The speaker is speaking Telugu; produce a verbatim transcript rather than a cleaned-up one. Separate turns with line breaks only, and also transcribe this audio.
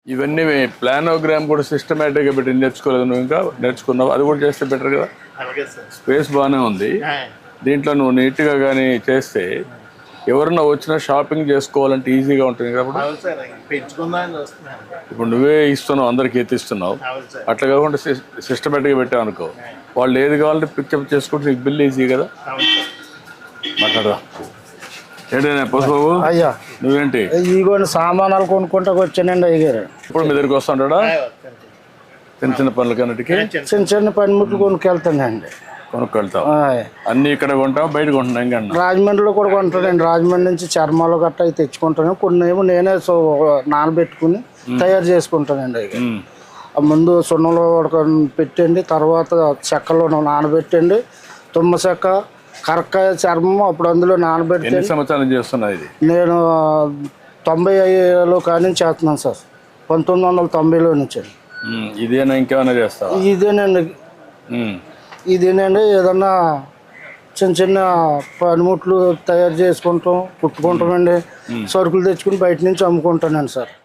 ఇవన్నీ ప్లానోగ్రామ్ కూడా సిస్టమేటిక్గా పెట్టి నేర్చుకోలేదు నువ్వు, ఇంకా నేర్చుకున్నావు, అది కూడా చేస్తే బెటర్ కదా. స్పేస్ బాగానే ఉంది, దీంట్లో నువ్వు నీట్గా కానీ చేస్తే ఎవరన్నా వచ్చినా షాపింగ్ చేసుకోవాలంటే ఈజీగా ఉంటుంది కాబట్టి. ఇప్పుడు నువ్వే ఇస్తున్నావు, అందరికి ఎత్తిస్తున్నావు, అట్లా కాకుండా సిస్టమేటిక్గా పెట్టావు అనుకో, వాళ్ళు ఏది కావాలంటే పిక్చప్ చేసుకుంటే నీకు బిల్ ఈజీ కదా. మాట్లాడదా ఏంటైనా పసుబాబు?
అయ్యా
నువ్వేంటి
ఇదిగోండి సామానాలు కొనుక్కుంటా వచ్చానండి అయ్యారు.
ఇప్పుడు మీ దగ్గరికి వస్తుంటాడా చిన్న చిన్న పనులకన్నిటికీ?
చిన్న చిన్న పనిముట్లు కొనుక్కెళ్తానండి.
కొనుక్కెళ్తావు అన్ని ఇక్కడ కొంటావు, బయట కొంటున్నా ఇంకా?
రాజమండ్రిలో కూడా కొంటానండి. రాజమండ్రి నుంచి చర్మాలు గట్ట అవి తెచ్చుకుంటాను. కొన్ని ఏమో నేనే సో నానబెట్టుకుని తయారు చేసుకుంటానండి. అవి ముందు సున్నంలో పెట్టండి, తర్వాత చెక్కలో నానబెట్టండి, తుమ్మ చెక్క, కరక్కాయ చర్మం, అప్పుడు అందులో నానబెట్టి.
ఎన్ని సంవత్సరాలు చేస్తున్నా ఇది?
నేను తొంభై ఐదులో కానీ చేస్తున్నాను సార్, పంతొమ్మిది వందల తొంభైలో నుంచి.
ఇదేనా ఇంకేమైనా చేస్తావా?
ఇదేనండి ఇదేనండి ఏదన్నా చిన్న చిన్న పనిముట్లు తయారు చేసుకుంటాం, కుట్టుకుంటామండి. సరుకులు తెచ్చుకుని బయట నుంచి అమ్ముకుంటానండి సార్.